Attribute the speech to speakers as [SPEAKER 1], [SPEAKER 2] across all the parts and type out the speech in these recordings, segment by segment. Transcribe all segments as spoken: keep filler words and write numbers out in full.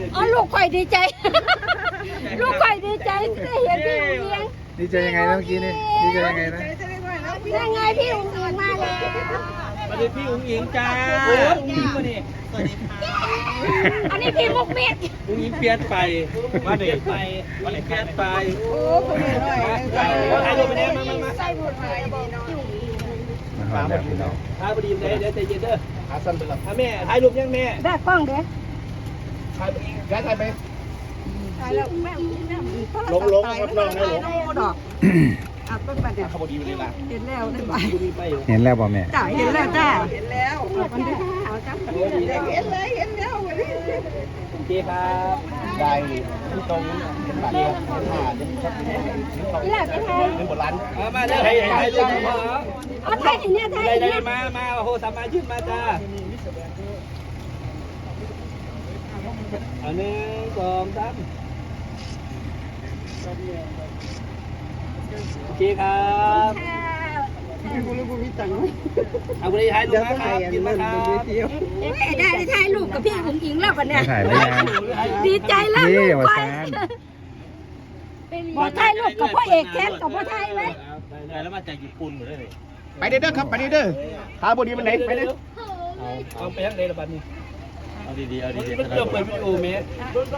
[SPEAKER 1] อ๋อลูกข่อยดีใจลูกข่อยดีใจได้เห็นพี่อุ้งอิง
[SPEAKER 2] ดีใจยังไงนะเมื่อกี้นี่ดีใจยังไงนะ
[SPEAKER 1] ได้ไงพี่อุ้งอิงมาแล้ว
[SPEAKER 3] สวัสดีพี่อุ้งอิงจ้าอุ้งอิงมาเนี่ยสวัสดีค่ะ
[SPEAKER 1] อันนี้พี่มุกเม็ด
[SPEAKER 3] อุ้งอิงเปลี่ยนไปมาเด็กไปมาเด็กเปลี่ยนไปโอ้คนนี้หน่อยถ่ายรูปไปเนี่ยมามามา
[SPEAKER 1] ใส่หมดเลยบอกพี่อุ้งอิง
[SPEAKER 2] มาหอดแล้วพี่น้อง
[SPEAKER 3] ถ่ายพอดีเลยเดี๋ยวใจเย็นเด้อขาสั้นไปแล้วแม่ถ่ายรูปยังแม่
[SPEAKER 1] ได้กล้องเด้อ
[SPEAKER 3] ถ่ายย้ายถ่ายไป
[SPEAKER 1] ถ่ายแล้วแม่แม่
[SPEAKER 3] ลงลงครับลงได้ลง
[SPEAKER 1] ดอกอ่ะต้นประเดี๋ยว
[SPEAKER 3] ขบดีไปเลยล่ะ
[SPEAKER 1] เห็นแล้วได้ไหม
[SPEAKER 3] พอดีไปอยู่
[SPEAKER 2] เห็นแล้วป่ะแม่
[SPEAKER 1] จ้าเห็นแล้วจ้าเห็นแล้วมันได้เอาจ้า
[SPEAKER 3] เห็นเลยเห็นแล้วโอเคครับได้ที่ตรงเป็นบัตรครับผ่านเป็นชัดเป็น
[SPEAKER 1] นี่แหละไปไทย
[SPEAKER 3] เป็นบทร้านมาเด้อให้ให้รูปมา
[SPEAKER 1] เอาไทยเนี่ยไทย
[SPEAKER 3] ได้ได้
[SPEAKER 1] เนี่ย
[SPEAKER 3] มามาโอ้โหสามารถยืนมาจ้าอันหนึ่งสองสามโอเคครับเอาไปถ่ายรูปมาครับยืนมาครับ
[SPEAKER 1] เอ๊ะได้ได้ถ่ายรูปกับพี่อุ้งอิงแล้วกันเนี่ย
[SPEAKER 2] ถ่ายแล้วยัง
[SPEAKER 1] ดีใจแล้ว
[SPEAKER 2] นี่
[SPEAKER 1] ลูก
[SPEAKER 2] วา
[SPEAKER 1] ไป
[SPEAKER 2] ซาน
[SPEAKER 1] บอกถ่ายรูปกับพ่อเอกแคทกับพ่อไทยไหม
[SPEAKER 3] ได้แล้วมาจากญี่ปุ่นหมดเลย
[SPEAKER 4] ไปเด้อครับไปเด้อทาบดีมันไหนไปเด้อ
[SPEAKER 3] เอาเอาไปทั้งเลยละบัดนี้
[SPEAKER 5] เอาดีๆเอาดี
[SPEAKER 3] มันเริ่มเปิดวิดีโอเมส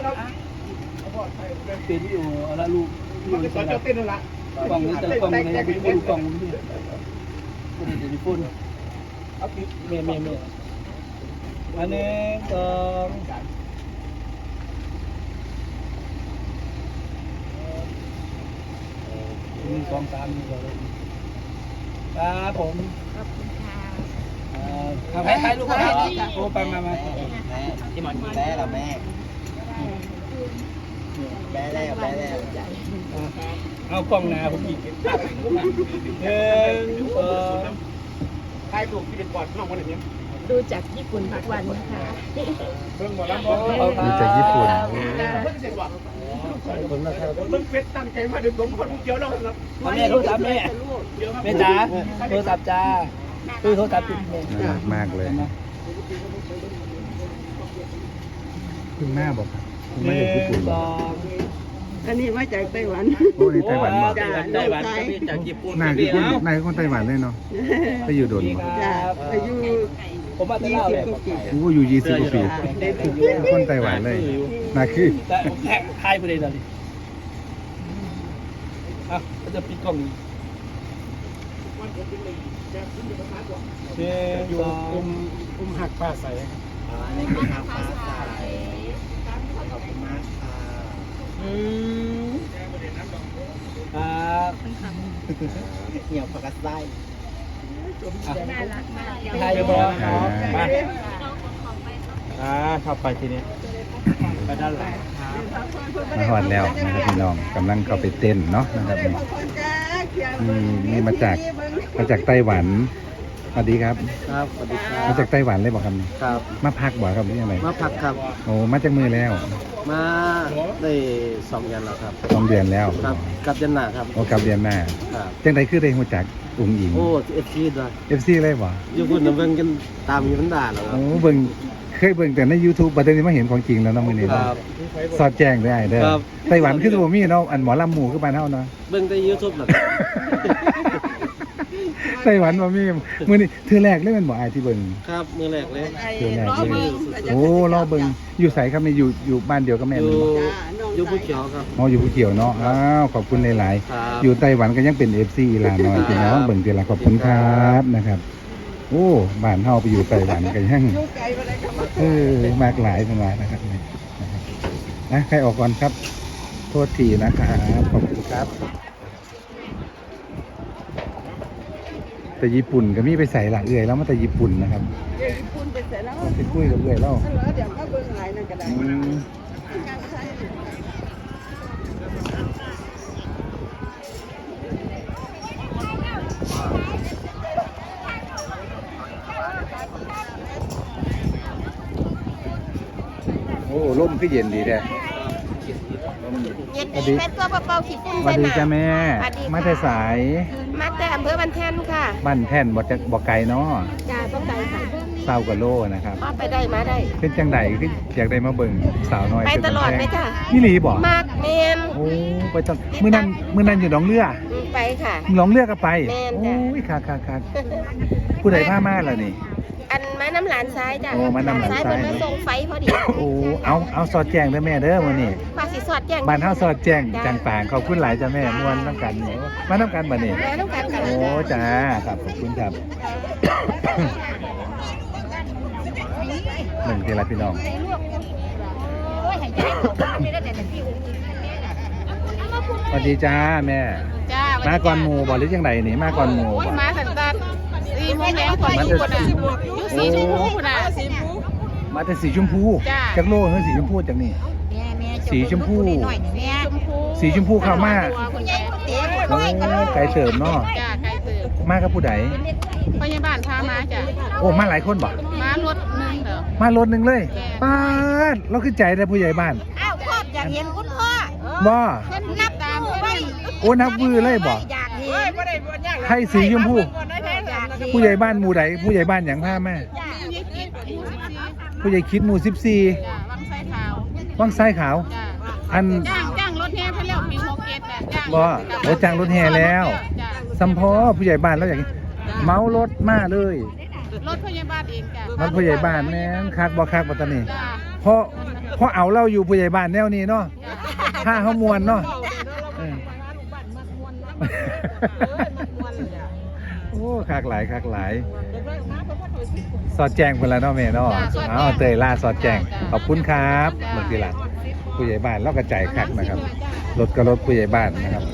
[SPEAKER 3] เป็นวิดีโอเอาละลูก
[SPEAKER 4] มันจะสอนเจ้าเต้นนั่นละ
[SPEAKER 3] กล่องนี้แต่กล่องในญี่ปุ่นกล่องนี้คนอื่นญี่ปุ่นเอาเมย์เมย์เมย์อันหนึ่งสองหนึ่งสองสามหนึ่งสองครับผมเอาไปถ่ายรูปครับโอ้ไปมามา
[SPEAKER 5] ๆแม่ที่มันแม่ละแม่แม่แล้วแม่แล้ว
[SPEAKER 3] เอากล้องหน้าผมอีกหนึ่งสอง
[SPEAKER 4] ถ่ายรูปที่เป็นบอดน้องคนนี้
[SPEAKER 1] ดูจากญี่ปุ่นทุกวันนะคะ
[SPEAKER 4] เบิ่งบอดแล้วบอด
[SPEAKER 2] ดูจากญี่ปุ่น
[SPEAKER 4] เพิ่งเสร็จว่ะ
[SPEAKER 3] ขอบคุณนะครับ
[SPEAKER 4] เบิ่งเฟซตั้งใจมาดึงผมคนเดียวแล้วครับ
[SPEAKER 3] แม่โทรศัพท์แม่แม่จ๋าโทรศัพท์จ้าคือโทรศัพท์ติดแม่
[SPEAKER 2] น่ารักมากเลยคุณแม่บอกครับคุณ
[SPEAKER 3] ห
[SPEAKER 2] แม่
[SPEAKER 3] นึ่
[SPEAKER 2] จากญี่ปุ่น
[SPEAKER 3] ง
[SPEAKER 2] บ
[SPEAKER 3] ส
[SPEAKER 2] อก
[SPEAKER 3] อง
[SPEAKER 6] อันนี้มาจากไต้หวัน
[SPEAKER 2] โอ้นี่ไต้หวันบอก
[SPEAKER 3] ไต้หวันจากญี่ปุ่น
[SPEAKER 2] นายคือคนนายคือคนไต้หวันเลยเนาะไปอยู่โดนบ่
[SPEAKER 6] จ้าอายุ
[SPEAKER 3] ผมมาแต่
[SPEAKER 6] ยี่
[SPEAKER 3] เล่า
[SPEAKER 6] สิ
[SPEAKER 3] เล
[SPEAKER 6] บ
[SPEAKER 3] ย
[SPEAKER 6] กว่าปี
[SPEAKER 2] โอ้อยู่ยี่สิบกว่าปีคนไต้หวันเลยนายคือ
[SPEAKER 3] แต่ผมแท็กทายไปเลยตอนนี้อ่ะก็จะปิดกล้องนี้หนึ่งสอง
[SPEAKER 4] อุ้มหักป้าใส่
[SPEAKER 5] นี่คือทางฟ้าใสขอบคุณมากค่ะ
[SPEAKER 3] อืมครับ
[SPEAKER 5] เหี่ยวผักกาดไส้
[SPEAKER 3] ถ่ายเรียบร้อยครับมา
[SPEAKER 4] อ่าเข้าไปทีนี้
[SPEAKER 3] ไปด้านหลัง
[SPEAKER 2] มาหอดแล้วนะครับพี่น้องกำลังเข้าไปเต้นเนาะนะครับนี่นี่นี่มาจากมาจากไต้หวันสวัสดีครับ
[SPEAKER 5] ครับสวัสดีครั
[SPEAKER 2] มา
[SPEAKER 5] บ
[SPEAKER 2] จากไต้หวันเลยบอกครับ
[SPEAKER 5] ครับ
[SPEAKER 2] มาพักบ่ครับหรือยังไง
[SPEAKER 5] มาพักครับ
[SPEAKER 2] โอ้มาจากมือแล้ว
[SPEAKER 5] มาได้สองเดือนแล้วครับ
[SPEAKER 2] สองเดือนแล้ว
[SPEAKER 5] ครับกับยันหนาครับ
[SPEAKER 2] โอ้กลับเดือนหน้า
[SPEAKER 5] ครับ
[SPEAKER 2] จังไดคือได้หัวจักอุ้งอิง
[SPEAKER 5] โอ้เอฟซีด้วย
[SPEAKER 2] เอฟซีเลยบ่
[SPEAKER 5] อยู่พุ่นน่ะเบิ่งกันตามมีมันด่าแล้วครั
[SPEAKER 2] โอ้
[SPEAKER 5] บ
[SPEAKER 2] เบิ่งเคยเบิ่งแต่ใน YouTube บัดนี้มาเห็นของจริงแล้วเน้องมื้อนี้
[SPEAKER 5] ค
[SPEAKER 2] เนาะ
[SPEAKER 5] รับ
[SPEAKER 2] สอดแจ้งได้เด้อ
[SPEAKER 5] ครับ
[SPEAKER 2] ไต้หวันคือบ่มีเนาะอันหมอลำหมู่คือบ้านเฮาเนาะ
[SPEAKER 5] เบิ่งแต่ยูทูบหรอ
[SPEAKER 2] ไต้หวันบ่มีมื้อนี้เทื่อแรกเลยแมันบ่อายที่เบิ่ง
[SPEAKER 5] ครับมือแรกเลย
[SPEAKER 2] เทื่อแรกเลยโอ้รอเบิ่งอยู่ไสครับนี่อยู่อยู่บ้านเดียวกับแม่
[SPEAKER 5] อ
[SPEAKER 2] มัน
[SPEAKER 5] ยู่
[SPEAKER 2] บ่
[SPEAKER 5] อยู่ภูเขียวครับ
[SPEAKER 2] อ๋ออยู่ภูเขียวเนาะอ้าวขอบคุณหลาย
[SPEAKER 5] ครับ
[SPEAKER 2] ๆอยู่ไต้หวันก็ยังเป็น เอฟ ซี อีหลาน้อยพี่น้องเบิ่งทีละขอบคุณครับนะครับ โอ้บ้านเฮาไปอยู่ไต้หวันก็ยังเออมากหลายสมานะครับนี่นะครับนะใครออกก่อนครับ โทษทีนะครับขอบคุณครับ แต่ญี่ปุ่นก็มีไปใส่หลักเอื่อยแล้วมาแต่ญี่ปุ่นนะครับ
[SPEAKER 6] ญี่ปุ่นไปเสร็จแล้ว
[SPEAKER 2] ไปคุยกับเอื่อยแล้ว
[SPEAKER 6] แล้วเดี๋ยวก็เบิ่งหลายนั่นก็ได้
[SPEAKER 2] อืมโอ้ร่มก็เย็นดีแท้
[SPEAKER 1] เย็นดีแม่ตัวเบาๆขี้ฝุ่น
[SPEAKER 2] สวัสดีจ้าแม่
[SPEAKER 1] สวัสดีค่ะ
[SPEAKER 2] มาแต่สาย
[SPEAKER 1] มาแต่อำเภอบันแท่นค่ะ
[SPEAKER 2] บ้านแท่นบอกจะบอกไกลเนาะ
[SPEAKER 1] จ้าต้องใจค่ะ
[SPEAKER 2] เศร้ากว่าโลนะครับ
[SPEAKER 1] มาไปได้มาได้
[SPEAKER 2] เป็นจังไดคืออยากได้มาเบิ่งสาวน้อย
[SPEAKER 1] ไปตลอดเลยจ้ะ
[SPEAKER 2] นี่หลีบ่
[SPEAKER 1] มากแมน
[SPEAKER 2] โอ้ไปตอนมื้อนั้นมื้อนั้นอยู่หนองเรือ
[SPEAKER 1] อืมไปค่ะ
[SPEAKER 2] หนองเรือก็ไป
[SPEAKER 1] แม่น
[SPEAKER 2] โอ้
[SPEAKER 1] จ้ะ
[SPEAKER 2] ยค่ะค่ะค่ะผู้ใดพามาล่ะนี่
[SPEAKER 1] อันมาน้ำหลานซ้ายจ้ะ
[SPEAKER 2] โอ้มาน้ำหลานซ้าย
[SPEAKER 1] เพิ่นมาส่งไฟพอดี
[SPEAKER 2] โอ้เอาเอาสอดแจ้งเด้อแม่เด้อมื้อนี้
[SPEAKER 1] ภาษีสอดแจ้ง
[SPEAKER 2] บ้านเฮาสอดแจ้ง
[SPEAKER 1] จ้ะ
[SPEAKER 2] จังปางขอบคุณหลายจ้ะแม่ม่วนน้ำกันนี่มาน้ำกันบัดนี้
[SPEAKER 1] มาต้องการกัน
[SPEAKER 2] โอ้จ้าครับขอบคุณครับ หนึ่งทีละพี่น้องสวัสดีจ้าแม่
[SPEAKER 1] จ้า
[SPEAKER 2] มาก่อนหมู่บ่หรือยังไงนี่มาก่อนหมู่บ่
[SPEAKER 1] มาสันตัดสี่โมงแดงก่อนอยู่คนน่ะอยู่สีชมพูคนน่ะสีชมพู
[SPEAKER 2] มาแต่สีชมพู
[SPEAKER 1] จ้า
[SPEAKER 2] จากโลกเฮ้ยสีชมพูจากนี่ สีชมพู
[SPEAKER 1] ชมพู
[SPEAKER 2] สีชมพูเข้ามา
[SPEAKER 1] คุณยาย
[SPEAKER 2] โอ้ไก่เติมเนาะ
[SPEAKER 1] จ้าไกลเติบ
[SPEAKER 2] มากับผู้ใด
[SPEAKER 1] พยาบาลพามาจ้ะ
[SPEAKER 2] โอ้มาหลายคนบ่
[SPEAKER 1] มารถหนึงเด้อ
[SPEAKER 2] มารถหนึ่งเลย
[SPEAKER 1] แม่
[SPEAKER 2] ป้าดเราขึ้นใจเลยผู้ใหญ่บ้าน
[SPEAKER 1] อ้าวพ่ออยากเห็นคุณพ่อ
[SPEAKER 2] บ่
[SPEAKER 1] เพิ่นนับตามเพิ่นนั่น
[SPEAKER 2] โอ้นับวือเลยบ่
[SPEAKER 1] อยากเห็นบ่ได้บ่ยาก
[SPEAKER 2] ใครสีชมพู
[SPEAKER 1] อยากเห็น
[SPEAKER 2] ผู้ใหญ่บ้านหมู่ใดผู้ใหญ่บ้านอย่างผ้าแม่ ผู้ใหญ่คิดหมู่สิบสี่
[SPEAKER 1] จ้ะวังไส้ขาว
[SPEAKER 2] วังไส้ขาว
[SPEAKER 1] จ้ะ
[SPEAKER 2] อัน
[SPEAKER 1] จ้างจ้างรถแห่เพิ่นแล้วปีหกเจ็ดน่ะจ้าง
[SPEAKER 2] บ่โอ้จ้างรถแห่แล้ว
[SPEAKER 1] จ้ะ
[SPEAKER 2] สัมพอผู้ใหญ่บ้านแล้วอย่างนี้เมารถมาเลย
[SPEAKER 1] รถพยาบาลเองจ้ะ
[SPEAKER 2] มันผู้ใหญ่บ้านแม่นคักบ่คักบ่ตอนนี้
[SPEAKER 1] จ้ะ
[SPEAKER 2] เพราะเพราะเอาเราอยู่ผู้ใหญ่บ้านแนวนี้เนาะถ้าเฮามวนเนาะเออโอ้คักหลายคักหลาย สอดแจ้งเพิ่นแล้วเนาะแม่เนาะเอาเตยล่าสอดแจ้งขอบคุณครับบางทีล่ะผู้ใหญ่บ้านเรากระจายคักนะครับรถก็รถผู้ใหญ่บ้านนะครับ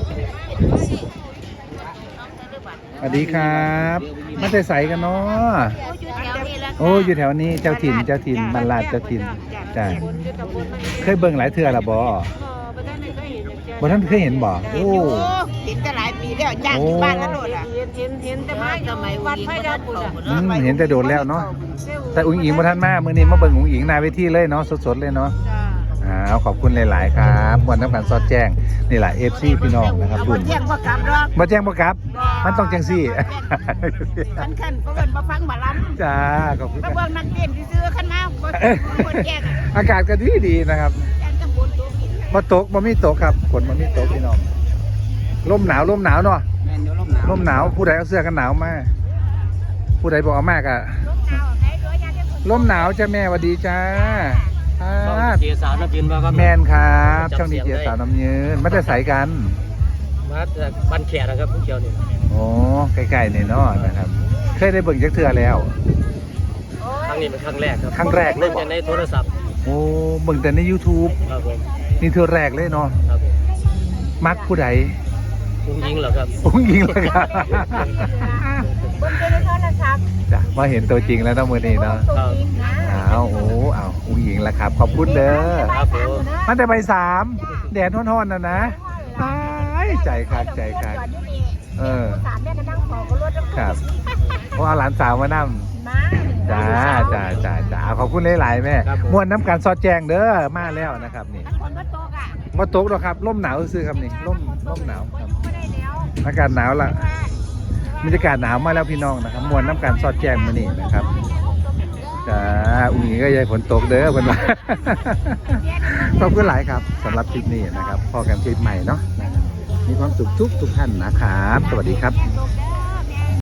[SPEAKER 2] สวัสดีครับมาแต่ใสกันเนาะโอ้อยู่แถวนี้เจ้าถิ่นเจ้าถิ่นบรรลาดเจ้าถิ่นจ้าเคยเบิ่งหลายเทื่อละบ่บ่ท่านเคยเห็นบ่โอ้
[SPEAKER 1] เห็นแต่หลายปีแล้วจ้างที่บ้านแล้วโดดอ่ะเห็นเห็นเห็นแต่มาสมัยวัดพระดาบุญ
[SPEAKER 2] อืมเห็นแต่โดดแล้วเนาะแต่อุ้งอิงบ่ทันมามื้อนี้มาเบิ่งอุ้งอิงหน้าเวทีเลยเนาะสดๆเลยเนาะ
[SPEAKER 1] จ้า
[SPEAKER 2] อ้าวขอบคุณหลาย ๆ ครับวันน้ำกันสอดแจ้งนี่แหละ เอฟ ซี พี่น้องนะครับ
[SPEAKER 1] เอา
[SPEAKER 2] คุ
[SPEAKER 1] บ่
[SPEAKER 2] ณ
[SPEAKER 1] แจ้งบ่กลับหรอก
[SPEAKER 2] มาแจ้งบ่ครับ มันต้องจังซี่
[SPEAKER 1] คันคันก็เอิ้นบ่ฟังบ่ลำ
[SPEAKER 2] จ้าขอบคุณ
[SPEAKER 1] ก็
[SPEAKER 2] ครับ
[SPEAKER 1] เบิ่งนักเต้นซื่อๆคันมาบ่บ่แจ้งอ่ะ
[SPEAKER 2] อากาศก็ดีดีๆนะครับ
[SPEAKER 1] แจ้งจังบนตัวกิน
[SPEAKER 2] บ่ตกบ่มีตกครับฝนบ่มีตกพี่น้องลมหนาวลมหนาวเนาะ
[SPEAKER 3] แม่นอยู่ลมหนาว
[SPEAKER 2] ลมหนาวผู้ใดเอาเสื้อกันหนาวมาผู้ใดบอกเอามากอะลมหนาวจ้าแม่สวัสดีจ้าอ่า
[SPEAKER 4] เจียสาวน้ำยืนมาครับ
[SPEAKER 2] แมนครับช่องดีเจสาวน้ำยืนมาแต่ใสกัน
[SPEAKER 4] มาจากบ้านแขกนะครับผู้เขียวนี่
[SPEAKER 2] โอ้ใกล้ๆนี่เนาะนะครับ เคยได้เบิ่งจักเทื่อแล้ว
[SPEAKER 4] ครั้งนี้เป็นครั้งแรกครับ
[SPEAKER 2] ครั้งแรกเลย
[SPEAKER 4] เบิ่งจากในโทรศัพท์
[SPEAKER 2] โอ้เบิ่งแต่ใน YouTube
[SPEAKER 4] ครับผม
[SPEAKER 2] นี่เทื่อแรกเลยเนาะ
[SPEAKER 4] ครับผม
[SPEAKER 2] มักผู้ใด
[SPEAKER 4] คุณยิงเหรอครับ
[SPEAKER 2] อุ้งยิงเลยครับ
[SPEAKER 1] เบิ่งในโทรศัพท์
[SPEAKER 2] จ้ะมาเห็นตัวจริงแล้วเนาะมื้อนี้เนาะ
[SPEAKER 4] ครับ
[SPEAKER 2] อ้าวโอ้อ้าวอุ้งยิงแล้วครับขอบคุณเด้อ
[SPEAKER 4] ครับผม
[SPEAKER 2] มันแต่ใบสามแดดร้อนๆนะนะตายใจคักใจคักเออ
[SPEAKER 1] สามแม่ก็นั่งขอก็รถ
[SPEAKER 2] ครับเพราะเอาหลานสาวมานั่
[SPEAKER 1] มา
[SPEAKER 2] จ้าจ้าจ้าจ้าขอบคุณหลายๆแม่ม่วนน้ำกันสอดแจงเด้อมาแล้วนะครับนี่
[SPEAKER 1] คนก็โตกอ่ะ
[SPEAKER 2] มาตกหรอกครับร่มหนาวซื้อครับนี่ร่มร่มหนาวครับ
[SPEAKER 1] ก็ได้แล้ว
[SPEAKER 2] อากาศหนาวละบรรยากาศหนาวมาแล้วพี่น้องนะครับม่วนน้ำกันสอดแจงมานี่นะครับจ้าอุ้งอิงก็ยายฝนตกเด้อเพิ่นว่า ขอบคุณหลายครับสำหรับคลิปนี้นะครับพอกันคลิปใหม่เนาะมีความสุขทุกทุกท่านนะครับ สวัสดีครับ